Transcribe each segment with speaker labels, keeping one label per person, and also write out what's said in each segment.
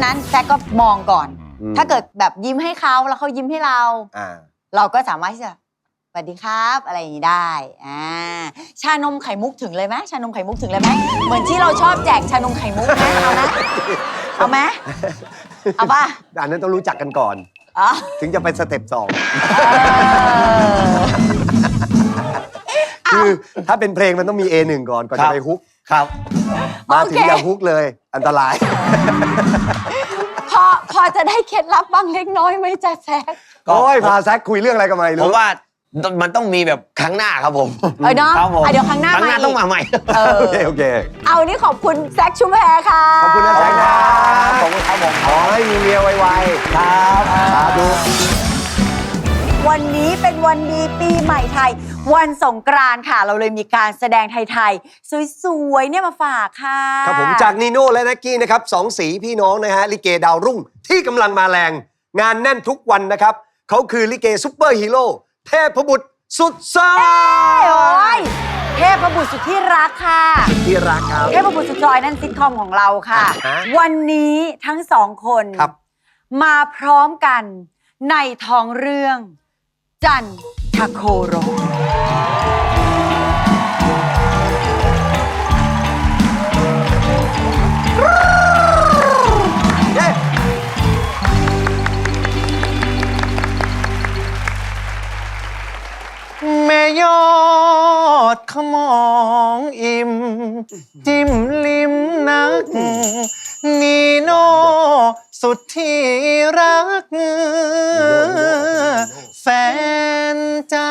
Speaker 1: นั้นแซกก็มองก่อนถ้าเกิดแบบยิ้มให้เขาแล้วเขายิ้มให้เราเราก็สามารถที่จะสวัสดีครับอะไรอย่างนี้ได้ชานมไข่มุกถึงเลยไหมชานมไข่มุกถึงเลยไหมเหมือนที่เราชอบแจกชานมไข่มุกไหมเอาไหมเอาป่ะ
Speaker 2: อันนั้นต้องรู้จักกันก่อนถึงจะไปสเต็ป2คือถ้าเป็นเพลงมันต้องมี A1 ก่อนจะไปฮุกครับมาถึงอย่างฮุกเลยอันตราย
Speaker 1: พอจะได้เคล็ดลับบ้างเล็กน้อยไหมจ๊ะแซก
Speaker 2: โอ้ยพาแซกคุยเรื่องอะไรกันมา
Speaker 3: ผมว่ามันต้องมีแบบครั้งหน้าครับผม
Speaker 1: เนาะเดี๋ยวครั้งหน้า
Speaker 3: ต้องมาใหม่
Speaker 2: โอเค
Speaker 1: เอานี่ขอบคุณแซกชุมแพค่ะ
Speaker 2: ขอบคุณนะแซกครับขอบคุณครับผมขอให้มีเมียไวๆครับสาธุ
Speaker 1: วันนี้เป็นวันดีปีใหม่ไทยวันสงกรานต์ค่ะเราเลยมีการแสดงไทยๆสวยๆเนี่ยมาฝากค่ะ
Speaker 2: ครับผมจากนีโน่และนักกี้นะครับ2สีพี่น้องนะฮะลิเกดาวรุ่งที่กำลังมาแรงงานแน่นทุกวันนะครับเขาคือลิเกซุปเปอร์ฮีโร่เทพบุตรสุดซอย
Speaker 1: เทพบุตรสุดที่รักค่ะ
Speaker 2: ที่รักครับ
Speaker 1: เทพบุตรสุดซอยนั่นซิทคอมของเราค่ะวันนี้ทั้งสองคนมาพร้อมกันในท้องเรื่องจันทโครก
Speaker 3: แม่ยอดขมองอิ่มจิ้มลิ้มนักนีโน่สุดที่รักแฟนจ้า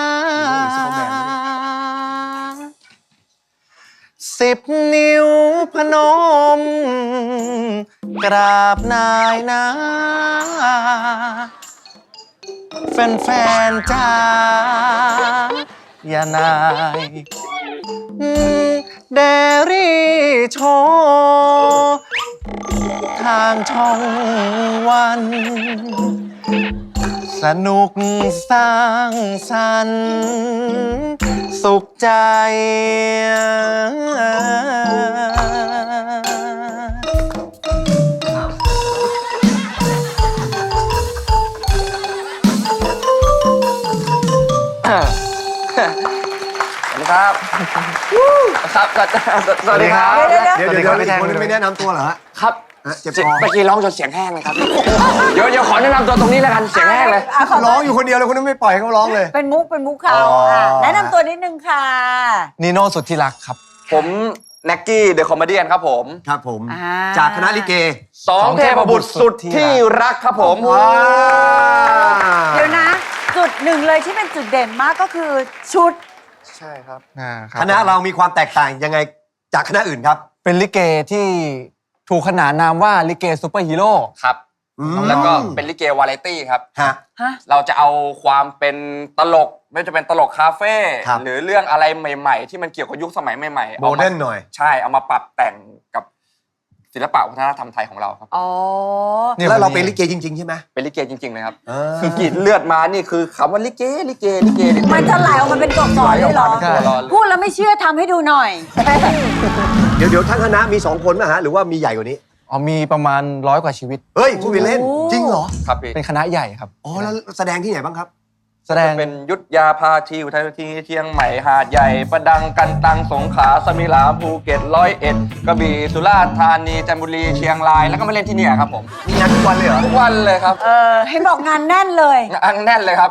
Speaker 3: 10 นิ้วพนมกราบนายนาแฟนๆจ้าอย่านายเดรี่โชว์ทางช่องวัน สนุกสร้างสรรค์สุขใจครับครับสวัสดีครับ
Speaker 2: เดี๋ยวคนไม่แนะนำตัวเหรอ
Speaker 3: ครับเมื่อกี้ร้องจนเสียงแห้งเลยครับเดี๋ยวขอแนะนำตัวตรงนี้แล้วกันเสียงแห้งเลย
Speaker 2: ร้องอยู่คนเดียวเลยคุณไม่ปล่อยเขาร้องเลย
Speaker 1: เป็นมุกเขาแนะนำตัวนิดนึงค่ะ
Speaker 3: นีโน่สุดที่รักครับผมแน็กกี้เดอะคอมเมดี้ครับผม
Speaker 2: ครับผมจากคณะลิเก
Speaker 3: 2เทพบุตรสุดที่รักครับผม
Speaker 1: เดี๋ยวนะจุดหนึ่งเลยที่เป็นจุดเด่นมากก็คือชุด
Speaker 3: ใช่ครับ
Speaker 2: คณะเรามีความแตกต่างยังไงจากคณะอื่นครับ
Speaker 3: เป็นลิเกที่ถูกขนานนามว่าลิเกซูเปอร์ฮีโร่ครับแล้วก็เป็นลิเกวาไรตี้ครับเราจะเอาความเป็นตลกไม่ว่าจะเป็นตลกคาเฟ่หรือเรื่องอะไรใหม่ๆที่มันเกี่ยวกับยุคสมัยใหม่ๆ
Speaker 2: โมเดิร์นหน่อย
Speaker 3: ใช่เอามาปรับแต่งกับศิลปะวัฒนธรรมไทยของเราครับ
Speaker 2: แล้วเราเป็นลิเกจริงๆใช่ไหม
Speaker 3: เป็นลิเกจริงๆเลยครับคือกรีดเลือดมานี่คือคำว่าลิเก
Speaker 1: มันจะไหลออกมาเป็นกบสอนเลยเหรอพูดแล้วไม่เชื่อทำให้ดูหน่อย
Speaker 2: เดี๋ยวทั้งคณะมี2คนนะฮะหรือว่ามีใหญ่กว่านี้
Speaker 3: มีประมาณ100 กว่าชีวิต
Speaker 2: เฮ้ยพูดไปเล่นจริงเหรอ
Speaker 3: ครับเป็นคณะใหญ่ครับ
Speaker 2: แล้วแสดงที่ไหนบ้างครับ
Speaker 3: แสดงเป็นยุทธยาพาทิวไทยที่เชียงใหม่หาดใหญ่ประดังกันตังสงขลาสมิลาภูเก็ต101กระบี่สุราษฎร์ธานีจันทบุรีเชียงรายแล้วก็มาเล่นที่นี่ครับผม
Speaker 2: มีงานทุกวันเลยเหรอ
Speaker 3: ทุกวันเลยครับ
Speaker 1: ให้บอกงานแน่นเลย
Speaker 3: งานแน่นเลยครับ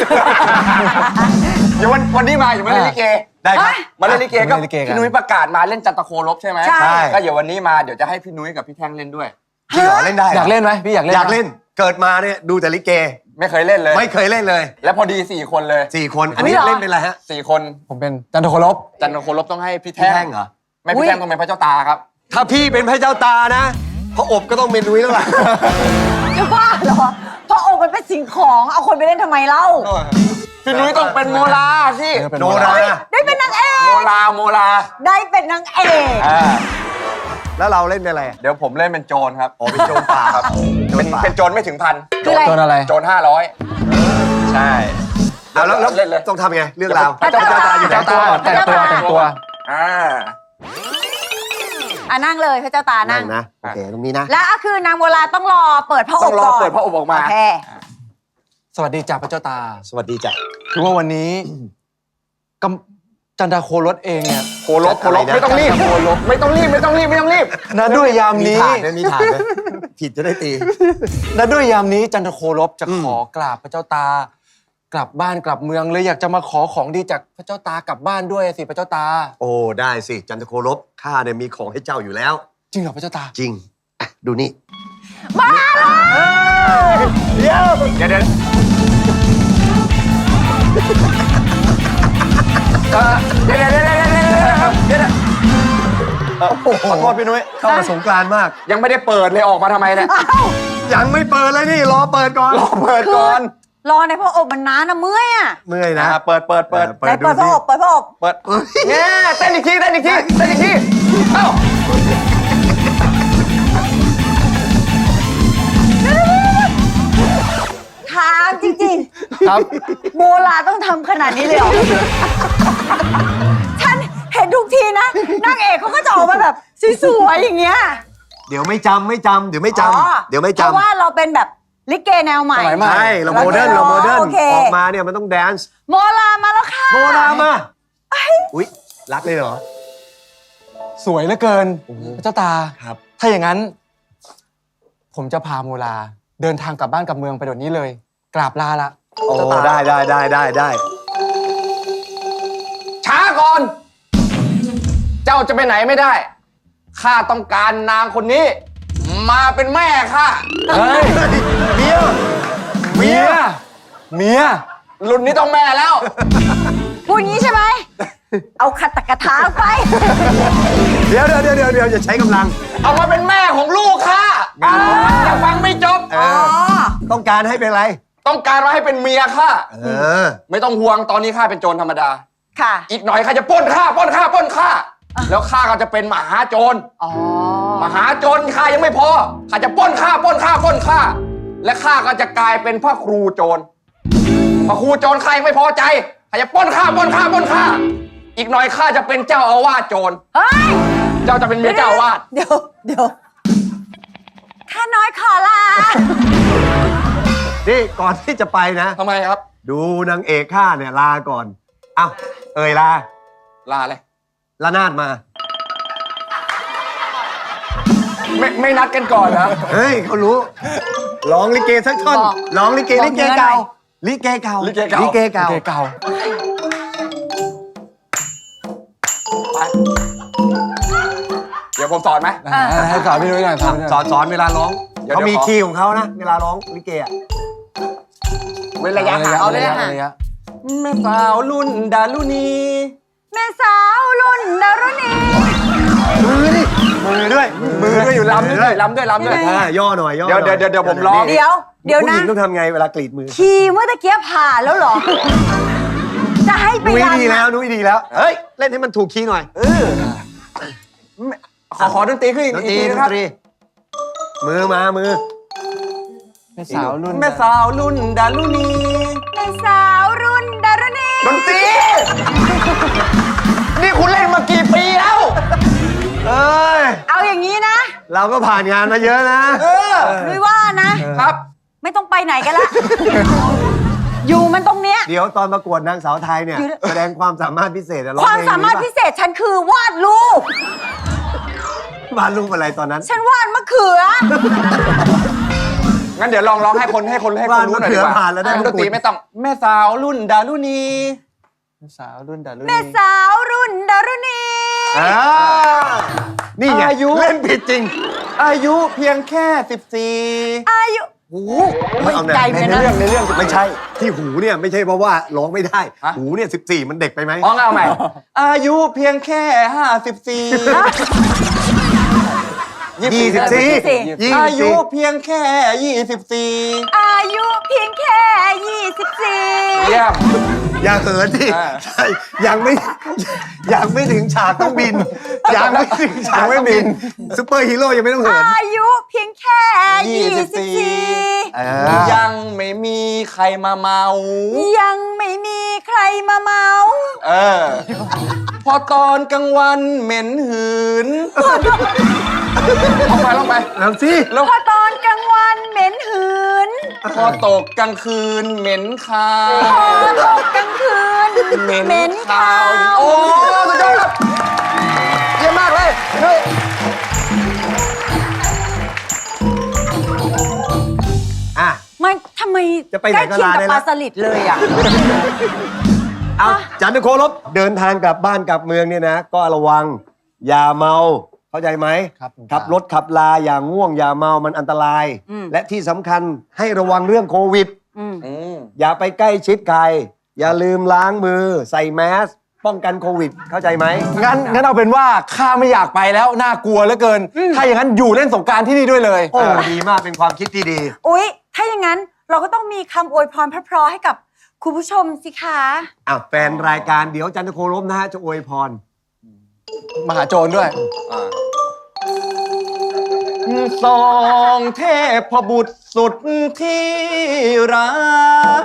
Speaker 3: เดี๋ยววันนี้มาอยู่มาเล่นลิเก
Speaker 2: ได้ครับ
Speaker 3: มาเล่นลิเกก็พี่นุ้ยประกาศมาเล่นจันทโคลบใช่ไหม
Speaker 1: ใช่
Speaker 3: ก็เดี๋ยววันนี้มาเดี๋ยวจะให้พี่นุ้ยกับพี่แท่งเล่นด้วย
Speaker 2: จริงเหรอเล่นได้
Speaker 3: อยากเล่นไหมพี่อยากเล่น
Speaker 2: เกิดมาเนี่ยดูแต่ลิเก
Speaker 3: ไม่เคยเล่นเลย
Speaker 2: ไม่เคยเล่นเลย
Speaker 3: แล้วพอดี4 คนเลย
Speaker 2: 4 คนอันนี้เล่นเป็นอะไรฮะ
Speaker 3: 4 คนผมเป็นจันทโคลบต้องให้พี่แท่ง
Speaker 2: เหรอ
Speaker 3: ไม่พี่แท่งต้องเป็นพระเจ้าตาครับ
Speaker 2: ถ้าพี่เป็นพระเจ้าตานะพระอบก็ต้องเป็นนุ้ยแล้วล่ะ
Speaker 1: จะบ้าเหรอพระอบมันเป็นสิ่งของเอาคนไปเล่นทำไมเล่า
Speaker 3: พี่นุ้ยต้องเป็นโมลาสิ
Speaker 2: โนรา
Speaker 1: ได้เป็นนางเอก
Speaker 3: โมลา
Speaker 1: ได้เป็นนางเอก
Speaker 2: แล้วเราเล่นเป็นอะไร
Speaker 3: เดี๋ยวผมเล่นเป็นโจรครับ
Speaker 2: เป็นโจรป่าครับ
Speaker 3: เป็นโจรไม่ถึงพัน
Speaker 1: โจร
Speaker 3: อะไรโจร500ใช่
Speaker 2: แล้วต้องทำไงเรื่องราว
Speaker 3: พระเจ้าตาอยู่แต่งตัว
Speaker 1: นั่งเลยพระเจ้าตานั่ง
Speaker 2: นะโอเคตรงนี้นะ
Speaker 1: แล้วก็คือนางโบราณต้องรอเปิดพระอบ
Speaker 3: ต้องรอ
Speaker 1: ก่อน
Speaker 3: เปิดพระอบออกมา
Speaker 1: โอเค
Speaker 3: สวัสดีจ่าพระเจ้าตา
Speaker 2: สวัสดีจ้ะ
Speaker 3: คือว่าวันนี้กำจันดาโครสเองเนี่ยโครส
Speaker 2: อะไรนะ
Speaker 3: ไม่ต้องรีบไม่ต้องรีบนะด้วยยาม
Speaker 2: มี
Speaker 3: นี้
Speaker 2: ถาดไหมมีถาดไหมผิดจะได้ตี
Speaker 3: นะด้วยยามนี้จันทโครบจะขอกราบพระเจ้าตากลับบ้านกลับเมืองเลยอยากจะมาขอของดีจากพระเจ้าตากลับบ้านด้วยสิพระเจ้าตา
Speaker 2: โอ้ได้สิจันทโครบข้าเนี่ยมีของให้เจ้าอยู่แล้ว
Speaker 3: จริงเหรอพระเจ้าตา
Speaker 2: จริงอ่ะดูนี่
Speaker 1: มาแล้ว
Speaker 2: เดี๋ยว
Speaker 3: เดี๋ยว
Speaker 2: ขอโทษพี่นุ้ยเข้ามาสงกรานต์มาก
Speaker 3: ยังไม่ได้เปิดเลยออกมาทำไมเนี่ย
Speaker 2: ยังไม่เปิดเลยนี่รอเปิดก่อน
Speaker 3: รอเปิดก่อน
Speaker 1: รอในพระอบมันนานนะเมื่อยอ่ะ
Speaker 2: เมื่อยนะ
Speaker 3: เปิด
Speaker 1: ไหนเปิดพระอบเปิดพระอบ
Speaker 3: เปิดเนี่ยเต้นอีกทีเอ้า
Speaker 1: ถามจริง
Speaker 3: ครับ
Speaker 1: ๆ โบราณต้องทำขนาดนี้เลยเหรอ ฉันเห็นทุกทีนะนางเอกเขาก็จะออกมาแบบสวยๆอย่างเงี้ย
Speaker 2: เดี๋ยวไม่จำเดี๋ยวไม่จ
Speaker 1: อ๋อ
Speaker 2: ำเดี๋ยวไม่
Speaker 1: เพราะ
Speaker 2: จำ
Speaker 1: ว่าเราเป็นแบบลิเกแนวใหม่
Speaker 3: สมัยใหม่
Speaker 2: ใช่เราโมเดิร์น
Speaker 1: โอเค
Speaker 2: ออกมาเนี่ยมันต้องแดนซ์
Speaker 1: โมรามาแล้วค่ะ
Speaker 2: โมรามาอุ๊ยรักเลยเหรอ
Speaker 3: สวยเหลือเกินพระเจ้าตา
Speaker 2: ครับ
Speaker 3: ถ้าอย่างนั้น ผมจะพาโมลาเดินทางกลับบ้านกลับเมืองไปเดี๋ยวนี้เลย กราบลาละ
Speaker 2: โอ้
Speaker 3: เจ้าตา
Speaker 2: ได้
Speaker 3: ช้าก่อน เจ้าจะไปไหนไม่ได้ ข้าต้องการนางคนนี้ มาเป็นแม่ข้าเฮ้ย
Speaker 2: เมีย
Speaker 3: รุ่นนี้ต้องแม่แล้ว
Speaker 1: พูดงี้ใช่ไหม เอาขัดตะกะถาไป
Speaker 2: เดี๋ยวอย่าใช้กำลัง
Speaker 3: เอามาเป็นแม่ของลูกข้ายังฟังไม่จบ
Speaker 1: อ๋อ
Speaker 2: ต้องการให้เป็นอะไร
Speaker 3: ต้องการมาให้เป็นเมียข้า
Speaker 2: อ
Speaker 3: ไม่ต้องห่วงตอนนี้ข้าเป็นโจรธรรมดา
Speaker 1: ค่ะ
Speaker 3: อีกหน่อยข้าจะปล้นข้าแล้วข้าก็จะเป็นมหาโจร
Speaker 1: อ๋อ
Speaker 3: มหาโจรข้ายังไม่พอข้าจะปล้นข้าและข้าก็จะกลายเป็นพระครูโจรพระครูโจรข้ายังไม่พอใจข้าจะปล้นข้าอีกหน่อยข้าจะเป็นเจ้าอาวาสโจร
Speaker 1: เฮ้ย
Speaker 3: เจ้าจะเป็นเมียเจ้าอาวาส
Speaker 1: เดี๋ยวข้าน้อยขอลา
Speaker 2: นี่ก่อนที่จะไปนะ
Speaker 3: ทำไมครับ
Speaker 2: ดูนางเอกข้าเนี่ยลาก่อนเอ้าลา
Speaker 3: ลาเลย
Speaker 2: ละนาดมา
Speaker 3: ไม่นัดกันก่อนนะ
Speaker 2: เฮ้ยเขารู้ร้องลิเกสักท่อน
Speaker 1: บอก
Speaker 2: ร้องลิเก
Speaker 1: บอก
Speaker 2: ลิเก
Speaker 1: เนื้อหน่
Speaker 2: เก่า
Speaker 1: อย
Speaker 2: ลิเกเก่า
Speaker 3: ลิเกเก่า
Speaker 2: ลิเกเก่า
Speaker 3: ไปเดี๋ยวผมสอนไหม
Speaker 4: ให้สอนพี่นุ้ยหน่อยสอนพี่นุ้ย
Speaker 2: สอนเวลาร้อง
Speaker 3: เดี๋ยว
Speaker 2: เขามี
Speaker 3: ขอ
Speaker 2: คีย์ของเขานะเวลาร้องลิเกอ่ะ
Speaker 3: เว้นระยะห่าง
Speaker 1: เอาเลยค่ะ
Speaker 4: ระยะ
Speaker 3: แม่สาวรุ่นดารุณี
Speaker 1: แม่สาวรุ่นดารุณี
Speaker 2: มือดิมือด้วย
Speaker 3: อยู่ลำด้วยลำด้วย
Speaker 2: ย่อหน่อยย่อ
Speaker 3: เดี๋ยว
Speaker 2: หน่อ
Speaker 3: เดี๋ยวผมร้อง
Speaker 1: เดี๋ยว
Speaker 2: ผู้ห
Speaker 1: นะ
Speaker 2: ญิงต้องทำไงเวลากรีดมือ
Speaker 1: ขี่เมื่อตะเกียบผ่านแล้วเหรอ จะให้ไป
Speaker 2: นุ้ย
Speaker 1: รำ
Speaker 2: ดีแล้วนุ้ยดีแล้วเฮ้ยเล่นให้มันถูกคีย์หน่อย
Speaker 3: ขอดนตรีขึ้นอีก
Speaker 2: ดน
Speaker 3: ที
Speaker 2: ตรีด
Speaker 3: นะ
Speaker 2: น
Speaker 3: ครับ
Speaker 2: ตรีมือมามือ
Speaker 4: แม่สาวรุ่น
Speaker 3: แม่สาวรุ่นดารุณี
Speaker 1: แม่สาวรุ่นดารุณี
Speaker 3: ดนตรี นี่คุณเล่นมากี่ปีแล้ว
Speaker 2: เอ้ย
Speaker 1: เอาอย่างนี้นะ
Speaker 2: เราก็ผ่านงานมาเยอะนะ
Speaker 1: นุ้ยว่านะ
Speaker 3: ครับ
Speaker 1: ไม่ต้องไปไหนกันละ อยู่มันตรงเนี้ย
Speaker 2: เดี๋ยวตอนประกวดนางสาวไทยเนี่ย แสดงความสามารถพิเศษอะร้อง
Speaker 1: ความ
Speaker 2: เพลง
Speaker 1: สามารถพิเศษฉันคือวาดรูป
Speaker 2: วาดรูปอะไรตอนนั้น
Speaker 1: ฉันวาดมะเขือ
Speaker 3: งั้นเดี๋ยวลองร้องให้คนรู้หน่อยดีกว่า
Speaker 2: ผ่านแล้วได้
Speaker 3: ดนตรีไม่ต้อง แม่สาวรุ่นดารุณี
Speaker 4: แม่สาวรุ่นดารุณี
Speaker 1: แม่สาวรุ่นดารุณี
Speaker 2: อ่านี่ไง
Speaker 3: อายุ
Speaker 2: เล่นผิดจริง
Speaker 3: อายุเพียงแค่
Speaker 1: อายุ
Speaker 2: โอ้โห
Speaker 1: ไม่ไกลเหมือนกันนะ
Speaker 2: ในเรื่องไม่ใช่ ที่หูเนี่ยไม่ใช่เพราะว่าร้องไม่ได้ หูเนี่ย14 มันเด็กไปไหม
Speaker 3: 14เอาใหม่ อายุเพียงแค่ 54 อายุเพียงแค่ 24
Speaker 1: อายุเพียงแค่ 24
Speaker 3: เยี่ยม
Speaker 2: อย่าเหินที่
Speaker 3: อ่า
Speaker 2: ใช่ยังไม่ถึงฉากต้องบิน ยังไม่ถึงฉากต้องบินซุปเปอร์ฮีโร่ยังไม่ต้องเหิน
Speaker 1: อายุเพียงแค่ 24
Speaker 3: ยังไม่มีใครมาเมา
Speaker 1: ยังไม่มีใครมาเมา
Speaker 3: พอตอนกลางวันเหม็นหืนลงไป
Speaker 2: แล้วสิ
Speaker 3: แล้ว
Speaker 1: พอตอนกลางวันเหม็นหืน
Speaker 3: พอตกกลางคืนเหม็นคา
Speaker 1: พอตกกลางคืนเหม็นขาว
Speaker 3: โอ้สุดยอดครับเยี่ยมมากเลยเฮ้ย
Speaker 2: อ่ะ
Speaker 1: ไม่ทำไม
Speaker 2: จะไปไหนก็
Speaker 1: ใกล้
Speaker 2: ลา
Speaker 1: เคียง
Speaker 2: ได้
Speaker 1: กับ
Speaker 2: แล้ว
Speaker 1: ปลาสลิดเลยอ่ะ
Speaker 2: เอาจันทโคลบเดินทางกลับบ้านกลับเมืองเนี่ยนะ ก็ระวัง อย่าเมา เข้าใจไหม
Speaker 4: ครับ
Speaker 2: ขับรถขับลาอย่าง่วง อย่าเมามันอันตราย
Speaker 1: อืม
Speaker 2: และที่สำคัญให้ระวังเรื่องโควิด อย่าไปใกล้ชิดใคร อย่าลืมล้างมือ ใส่แมสป้องกันโควิด เข้าใจไหม
Speaker 4: งั้นเอาเป็นว่าข้าไม่อยากไปแล้วน่ากลัวเหลือเกิน ถ้าอย่างนั้นอยู่เล่นสงกรารที่นี่ด้วยเลย
Speaker 2: โอ้ดีมากเป็นความคิดที่ดี
Speaker 1: อุ๊ย ถ้าอย่างนั้นเราก็ต้องมีคำอวยพรเพราะๆให้กับคุณผู้ชมสิคะ
Speaker 2: อ่ะแฟนรายการเดี๋ยวจันทโคลบนะฮะจะอวยพร
Speaker 4: มหาโจรด้วย
Speaker 3: สองเทพบุตรสุดที่รัก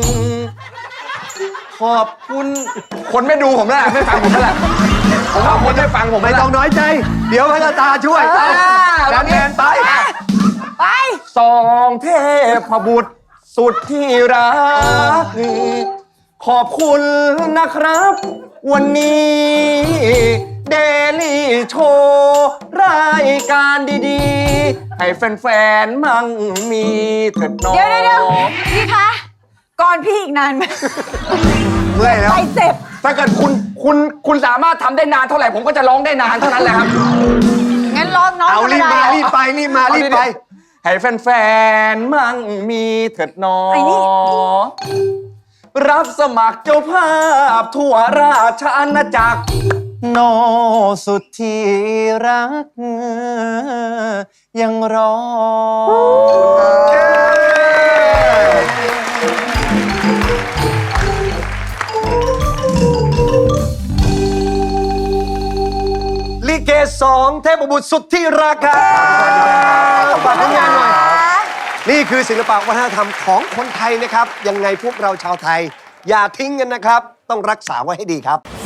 Speaker 3: ขอบคุณ คนไม่ดูผมแล้วไม่ฟังผมแล้วแหละผมว่าคนไม่ฟังผม
Speaker 2: ไม่
Speaker 3: แล้ว
Speaker 2: ต้องน้อยใจ เดี๋ยวพระตาช่วยการแทนไป
Speaker 1: ไป
Speaker 3: สองเทพบุตรสุดที่รัก ขอบคุณนะครับ วันนี้เดลี่โชว์รายการดีๆ ให้แฟนๆมั่งมีเถิดน้อง
Speaker 1: เดี๋ยวพี่คะ ก่อนพี่อีกนานไหม
Speaker 2: เมื่อยแล้ว
Speaker 1: ไปเจ็บ
Speaker 3: ถ้าเกิดคุณสามารถทำได้นานเท่าไหร่ผมก็จะร้องได้นานเท่านั้นแหละครับ
Speaker 1: งั้นร้องน้อง
Speaker 2: เอารีบมารีบไปรีบมารีบไป
Speaker 3: ให้แฟนๆมั่งมีเถิดน้อ
Speaker 1: ไอ้นี่
Speaker 3: รับสมัครเจ้าภาพทั่วราชอาณาจักร
Speaker 4: โนสุดที่รัก ยังรอ
Speaker 2: ลิเกสองเทพบุตรสุดที่ราคาฝากผลงานหน่อย นี่คือศิลปะวัฒนธรรมของคนไทยนะครับ ยังไงพวกเราชาวไทย อย่าทิ้งกันนะครับ ต้องรักษาไว้ให้ดีครับ